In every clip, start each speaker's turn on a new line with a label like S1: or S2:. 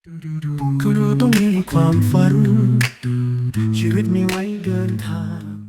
S1: ก็ดูต้องมีความฝันชีวิตมีไว้เดินทาง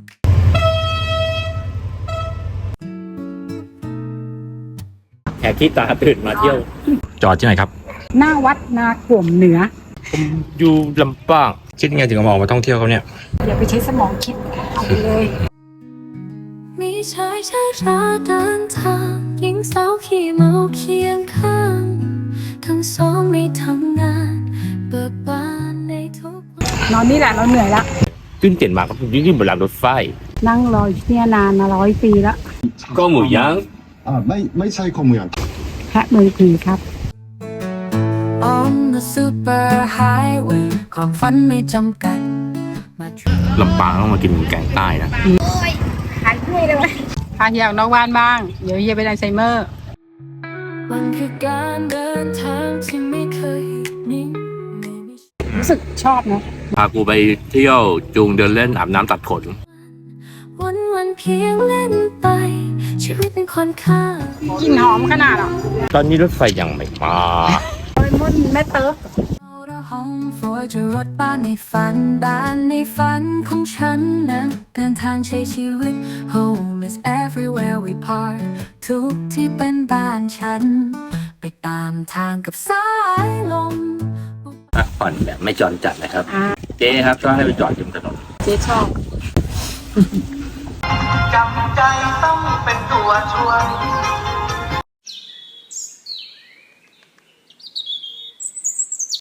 S2: แขกที่ตาตื่นมาเที่ยว จอดที่ไหนครับ
S3: หน้าวัดนาขวมเหนือ
S2: อยู่ลำปางคิดยังไงถึงมาออกมาท่องเที่ยวเขาเนี่ย
S3: อย่าไปใช้สมองคิดเอาไปเลย
S4: มีชายชาราเดินทางหญิงสาวขี่เมาเคียงข้างทั้งสองไม่ทำงานเบิกบานในทุกวัน
S3: นอนนี่แหละเราเหนื่อยละ
S2: ขึ้นเตียนมาก็ยิ่งบนรางรถไฟ
S3: นั่งรออยู่เนี่ยนานมา100 ปีแล้ว
S2: ก็หมูย่าง
S5: ไม่ใช่ข้อเมือง
S3: แพะมือผีครับ
S4: On the super highway ความฝันไม่จำกัดมา
S2: ลำปางต้องมากินแกงใต้นะ
S3: หายเมื่อยเลยวะพาเฮียออกนอกบ้านบ้าง เดี๋ยวเฮียเป็นอัลไซเมอร์
S4: มันคือการเดินทางที่ไม่เคยนิ่งไม่มี
S3: รู้สึกชอบนะ
S2: พากูไปเที่ยวจูงเดินเล่นอาบน้ำตัดขน
S4: วันเพียงเล่นไป ชีวิตเป็นคนข้าง
S3: กลิ่นหอมขนาดอ่ะ
S2: ตอนนี้รถไฟยังไม่มา
S3: โอ้ยมุ่นแม่เติร์ก
S4: ห้องฟลอร์จะรถบ้านในฝันบ้านในฝันของฉันนั้นเดินทางใช้ชีวิต Home is everywhere we part ทุกที่เป็นบ้านฉัน ไปตามทางกับสายลม
S2: พักผ่อนแบบไม่จอนจัดนะครับ เจ๊ครับก็ให้ไปจอดริมถนน
S3: เจ๊ชอบ
S1: จำใจต้องเป็นตัวช่วย